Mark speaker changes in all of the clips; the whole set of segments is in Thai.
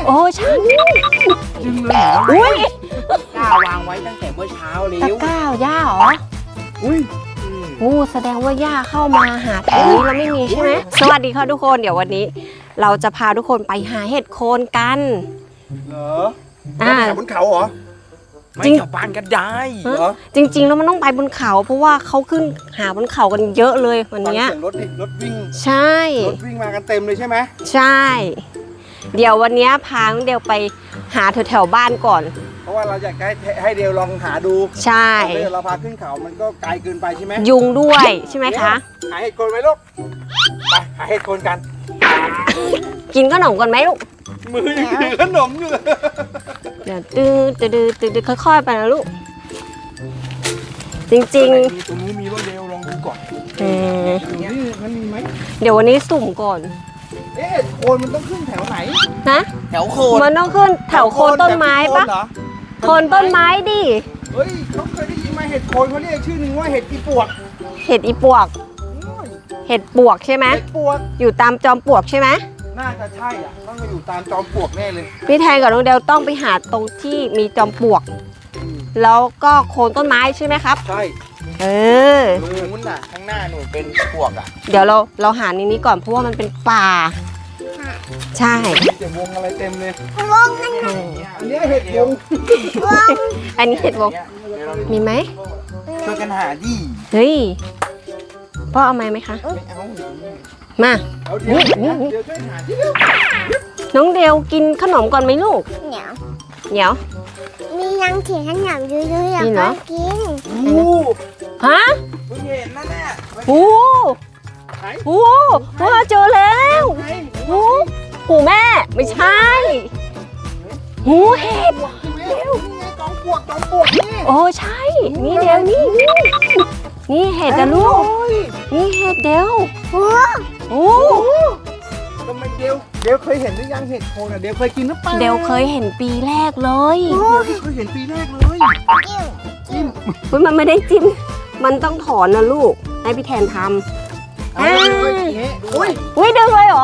Speaker 1: อ้ใช่
Speaker 2: ดึงเลยเหรอ
Speaker 1: อุ้ย
Speaker 2: ย่าวางไว้ตั้งแต่เมื่อเช้าแล้
Speaker 1: ตะ
Speaker 2: ว
Speaker 1: กร้าย่าเหรอ
Speaker 2: อุ้ย
Speaker 1: แสดงว่าย่าเข้ามาหาแถวนี้เราไม่มีใช่ไหมสวัสดีค่ะทุกคนเดี๋ยววันนี้ เราจะพาทุกคนไปหาเห็ดโคนกัน
Speaker 2: เหรอ
Speaker 1: อ่า
Speaker 2: แถวบนเขาเหรอ
Speaker 1: จริง
Speaker 2: ไม่แถวบ้านก็ได้เหรอ
Speaker 1: จริงๆแล้วมันต้องไปบนเขาเพราะว่าเขาขึ้นหาบนเขากันเยอะเลยวัน
Speaker 2: ฟัง
Speaker 1: เนี้ย
Speaker 2: เสียงรถดิรถวิ่ง
Speaker 1: ใช่
Speaker 2: รถวิ่งมากันเต็มเลยใช่ไหม
Speaker 1: ใช่ เดี๋ยววันนี้พาน้องเดวไปหาแถวๆบ้านก่อน
Speaker 2: เพราะว่าเราอยากให้เดวลองหาดู
Speaker 1: ใช่
Speaker 2: เดี๋ยวเราพาขึ้นเขามันก็ไกลเกินไปใช่ไหม
Speaker 1: ยุงด้วยใช่ไหมคะ
Speaker 2: หาเห็ดโคนไหมลูกไปหาเห็ดโคนกัน
Speaker 1: กินขนมก่อนไหมลูก
Speaker 2: มือยังถือขนมอยู่เลย
Speaker 1: เดี๋ยวตื้อค่อยๆไปนะลูก จริง
Speaker 2: ตรงนู้นมีรถเดวลองดูก่อน
Speaker 1: ๆ
Speaker 2: นี่มันมีไหม
Speaker 1: เดี๋ยววันนี้สุ่มก่อน
Speaker 2: เอ๊ะโคนมันต้องขึ้นแถวไหน
Speaker 1: นะ
Speaker 2: แถวโคน
Speaker 1: มันต้องขึ้นแถวโคนต้นไม้ปะ
Speaker 2: เหรอ
Speaker 1: โคนต้นไม้ดิ
Speaker 2: เฮ้ยเขาเคยได้ยินมาเห็ดโคนเขาเรียกชื่อหนึ่งว่าเห็ดอีปวก
Speaker 1: เห็ดอีปวก เห็ดปวกใช่ไหม
Speaker 2: เห็ดปวก
Speaker 1: อยู่ตามจอมปลวกใช่ไหม
Speaker 2: น่าจะใช่อ่ะต้องมาอยู่ตามจอมปลวกแน่เลย
Speaker 1: พี่แทนกับน้องเดลต้องไปหาตรงที่มีจอมปลวก แล้วก็โคนต้นไม้ใช่ไหมครับ
Speaker 2: ใช่
Speaker 1: เออ
Speaker 2: นู้นน่ะข้างหน้าหนูเป็นปวกอ่ะ
Speaker 1: เดี๋ยวเราหาในนี้ก่อนเพราะว่ามันเป็นป่า ใช่
Speaker 2: เต็มวงอะไรเต็มเลย
Speaker 3: วงนั่น
Speaker 1: เออ
Speaker 2: อันนี้เห็ดวง
Speaker 1: อันนี้เห็ดวงมีไหม
Speaker 2: ช่วยกันหาดิ
Speaker 1: เฮ้ยพ่อเอาไหมคะ
Speaker 2: ไม่เอา
Speaker 1: มา
Speaker 2: เอาเดี๋ยวเดี๋ยวช่วยหาที่เร็ว
Speaker 1: น้องเดลกินขนมก่อนไหมลูก
Speaker 3: เหนียว
Speaker 1: เดี๋ยว
Speaker 3: มียังเถียงขนมอยู่เลยอยาก
Speaker 1: นี่เหรอ
Speaker 3: กิน
Speaker 2: อู้
Speaker 1: ฮะ
Speaker 2: เพิ่งเห็นนั่นแหละ
Speaker 1: โอ้โหพ่อเจอแล้วโอ้หูแม่ไม่ใช่หูเห็ด
Speaker 2: เร็วจอมปลวกนี่
Speaker 1: โอ้ใช่ นี่เดลนี่เห็ดนะลูก นี่เห็ดเดล
Speaker 3: โอ้
Speaker 1: โอ้
Speaker 2: ทำไมเดวเคยเห็นหรือยังเห็ดโคนอ่ะเดวเคยกินหรือเปล่า
Speaker 1: เดลเคยเห็นปีแรกเลย
Speaker 2: เดวเคยเห็นปีแรกเลย
Speaker 3: กิ้ว
Speaker 2: จิ้ม
Speaker 1: เฮ้ยมันไม่ได้จิ้ม มันต้องถอนนะลูก ให้พี่แทนท
Speaker 2: เอาเลยอุ้ย
Speaker 1: ำอุ้ยดึงเลยเหรอ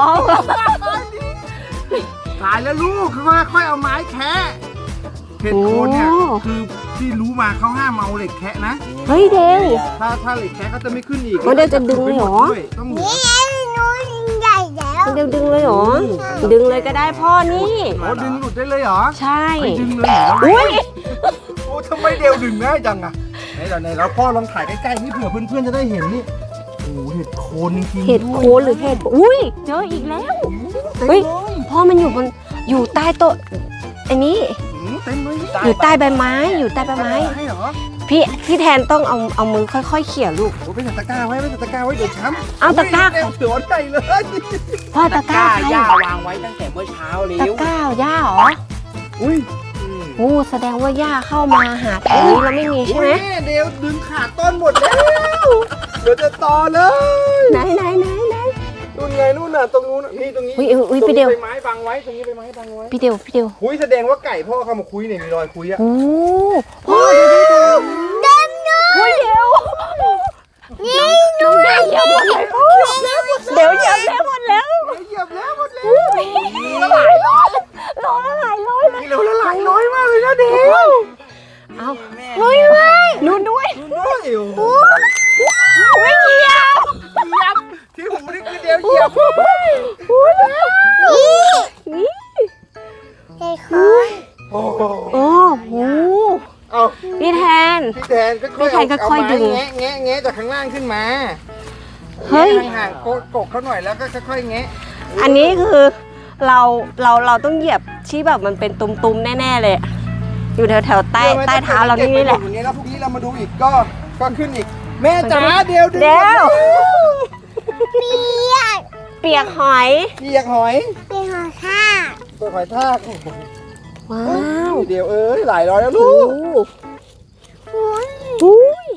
Speaker 2: ตายแล้วลูกค่อยๆเอาไม้แคะเห็ดโคนเนี่ยคือที่รู้มาเขาห้ามเอาเหล็กแคะนะ
Speaker 1: เฮ้ยเดล
Speaker 2: ถ้าเหล็กแคะเขาจะไม่ขึ้นอีก
Speaker 1: ว่าเดวจะดึงเลยเหรอ
Speaker 2: ต้อง
Speaker 3: นี่ไงนู้นใหญ่แล้ว
Speaker 1: เดลดึงเลยเหรอ ดึงเลยก็ได้พ่อนี่
Speaker 2: โอ้ดึงหลุดได้เลยเหรอ
Speaker 1: ใช่
Speaker 2: ไม่ดึงเลยเหรอ
Speaker 1: อุ้ย
Speaker 2: โอ้ทำไมเดวดึงง่ายจังอะไหนแล้วพ่อลองถ่ายใกล้ๆนี่เผื่อเพื่อนๆจะได้เห็นนี่โอ้เห็ดโคนจริงๆ
Speaker 1: เห็ดโคนหรือเห็ด อุ้ยเจออีกแล้ว เฮ้ย พ่อมันอยู่ใต้โต๊ะอันนี้
Speaker 2: เต็มเลย
Speaker 1: อยู่ใต้ใบไม้ อยู่ใต้ใบไม้
Speaker 2: ให้เหรอ
Speaker 1: พี่แทนต้องเอามือค่อยๆเขี่ยลูก
Speaker 2: โอ้ไปใส่ตะกร้าไว้เดี๋ยวช้ำ
Speaker 1: เอาตะกร้า
Speaker 2: เต็มหัวใจเลย
Speaker 1: พ่อตะกร้าใคร
Speaker 2: ย่าวางไว้ตั้งแต่เมื่อเช้าแล้
Speaker 1: ตะ
Speaker 2: ว
Speaker 1: กร้าย่าเหรอ
Speaker 2: อุ้ย
Speaker 1: แสดงว่าย่าเข้ามาหาแถวนี้เราไม่มีใช่ไหม
Speaker 2: เดี๋ยวดึงขาดต้นหมดแล้วเดี๋ยวจะต่อเลย
Speaker 1: ไหน
Speaker 2: นู่นไงนู่นน่ะตรงนู้นนี่ตรงนี้
Speaker 1: อุ้ยพี่เดียว
Speaker 2: ใบไม้บังไว้ตรงนี้ใบไม้บังไว้
Speaker 1: พี่เดียว
Speaker 2: คุยแสดงว่าไก่พ่อเข้ามาคุยเนี่ยมีรอยคุยอะ
Speaker 1: โอ้พ่อดูดิ
Speaker 3: เต็มเลย
Speaker 1: อุ้ยเดียว
Speaker 3: นี่
Speaker 1: น้องเดียวเหยียบหมดเลยพ่อเดี๋ยวเหยียบแล้วหมดแล้ว
Speaker 2: เหยียบแล้วหมดแล้ว
Speaker 1: ละหลายร้อยร้อยละหลายร้อยเลย
Speaker 2: นี่เราละลายน้อยมากเลยนะเด็ก
Speaker 1: เอา
Speaker 3: นุ้ยไว้
Speaker 1: นู่นด้วย
Speaker 2: น้อยอยู่
Speaker 1: ไม่เหยียบ
Speaker 2: เหยียบที่หูนี่คือเดียวเหยียบ
Speaker 1: นี่
Speaker 3: เฮ้ยคอย
Speaker 2: โอ้โห
Speaker 1: โอ้โห
Speaker 2: เอา
Speaker 1: พี่แทน
Speaker 2: พี่แทนค่อยๆ
Speaker 1: พี่แทนค่อยๆดึง
Speaker 2: แงะจากข้างล่างขึ้นมา
Speaker 1: เฮ้ย
Speaker 2: ห่างๆกกเขาหน่อยแล้วก็ค่อยๆแงะ
Speaker 1: อันนี้คือเราต้องเหยียบที่แบบมันเป็นตุ่มๆแน่ๆเลย อยู่แถวๆใต้เท้าเรานี่แหละ
Speaker 2: อย่างเงี้ยแล้วพรุ่งนี้เรามาดูอีกก็ขึ้นอีก แม่จ๋าเดี๋ยวดึง
Speaker 1: เดี๋ยว
Speaker 3: เปียก
Speaker 1: เปียกหอย
Speaker 2: เปียกหอย
Speaker 3: เป็นหัวข้า
Speaker 2: เปิดหอยทาก
Speaker 1: ว้าว
Speaker 2: เดี๋ยวหลายร้อยแล้วลู
Speaker 1: โอ้
Speaker 2: ก
Speaker 3: หุ้ย
Speaker 1: อุ้ย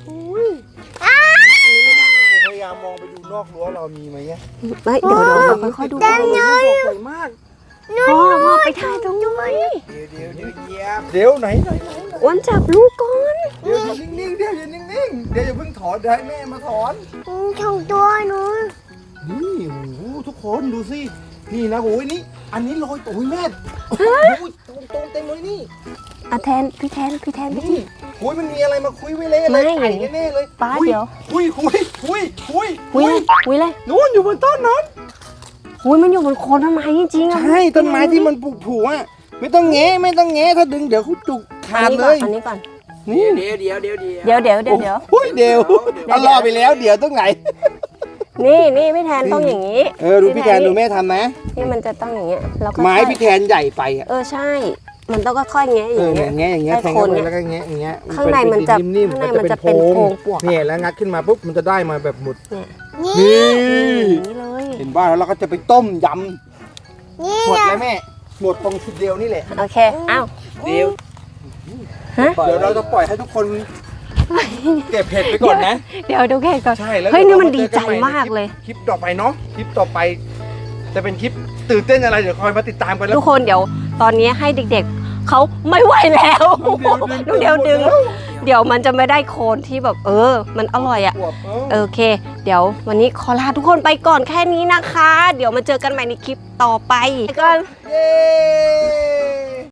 Speaker 2: พยายามมองไปดูนอกรั้วเรามีไหมเนี่ย
Speaker 1: เฮ้ยเดี๋ยวเราค่อยๆดู
Speaker 2: ใหญ่มาก
Speaker 1: พ่อไปถ่ายตรงนี้
Speaker 2: เดี๋ยวไหน
Speaker 1: อ้วนจับลูกก่อน
Speaker 2: เดี๋ยวอยู่นิ่งๆเดี๋ยวอยู่นิ่งๆเดี๋ยวอย่าเพิ่งถอนเดี๋ยวให้แม่มาถอน
Speaker 3: ชงตัวหนู
Speaker 2: นี่โอ้โหทุกคนดูสินี่นะโอ้ยนี่อันนี้ลอยโอ้ยแม่โอ้ยตรงเต็มเลยนี่
Speaker 1: อ่ะแทนพี่แทนไป
Speaker 2: นี่
Speaker 1: สิ
Speaker 2: โอ้ยมันมีอะไรมาคุยไว้เลย
Speaker 1: ไม่
Speaker 2: ไก่แน่ๆเลย
Speaker 1: ป้าเดี๋ยว
Speaker 2: คุย
Speaker 1: หุยเลย
Speaker 2: นู้นอยู่บนต้นนั้น
Speaker 1: หุยมันอยู่บนโคนต้นไม้จริงๆอ่ะ
Speaker 2: ใช่ต้นไม้ที่มันผูกๆอ่ะไม่ต้องแงะถ้าดึงเดี๋ยวเขาจุกขาดเลย
Speaker 1: อันนี้ก่อน
Speaker 2: นี่
Speaker 4: เดี๋ยว
Speaker 1: เดี๋ยว
Speaker 2: โอ้ยเดี๋ยวเอารอไปแล้วเดี๋ยวตรงไหน
Speaker 1: นี่พี่แทนต้องอย่างนี้
Speaker 2: ดูพี่แทนดูแม่ทำนะ
Speaker 1: นี่มันจะต้องอย่างเงี้ยแล้วก็
Speaker 2: ไม้พี่แทนใหญ่ไปอ่ะ
Speaker 1: ใช่ มันต้องค่อยๆแงะอย่างเงี้ย
Speaker 2: แงะอย่างเงี้ยแทงเข้าไปแล้วก็แงะอย่างเงี้ย
Speaker 1: ข้างในมันจะ
Speaker 2: นิ่มๆ
Speaker 1: ข้างในมันจะเป็นโพรงปวก
Speaker 2: เนี่ยแล้วงัดขึ้นมาปุ๊บมันจะได้มาแบบหมด
Speaker 3: นี่
Speaker 2: นี่
Speaker 1: อย่างนี้เลย
Speaker 2: เห็นบ้าแล้วเราก็จะไปต้มย
Speaker 3: นี่
Speaker 2: ำหมด
Speaker 3: นะ
Speaker 2: แล้วแม่หมดตรงชุดเดียวนี่แหละ
Speaker 1: โอเคอ้าว
Speaker 4: เดี๋ยว
Speaker 1: ฮะ
Speaker 2: เดี๋ยวเราจะปล่อยให้ทุกคนเก็บเห็ดไปก่อนนะ
Speaker 1: เดี๋ยวดูแค่ก่อน
Speaker 2: ใช่แล้ว
Speaker 1: เฮ้ยนี่มัน
Speaker 2: ดี๋
Speaker 1: ดี
Speaker 2: วเรา
Speaker 1: ใจ
Speaker 2: เจอกันให
Speaker 1: มากเลย
Speaker 2: คลิปต่อไปเนาะคลิปต่อไป จะเป็นคลิปตื่นเต้นอะไรเดี๋ยวคอยมาติดตามกันแล้ว
Speaker 1: ทุกคนเดี๋ยวตอนนี้ให้เด็กๆเขาไม่ไหวแล้ว
Speaker 2: น้องเดียวดึง
Speaker 1: เดี๋ยวมันจะไม่ได้โคนที่แบบมันอร่อยอ่ะ
Speaker 2: อวบ
Speaker 1: โอเค เดี๋ยววันนี้ขอลาทุกคนไปก่อนแค่นี้นะคะ เดี๋ยวมาเจอกันใหม่ในคลิปต่อไปก่อน
Speaker 2: เย้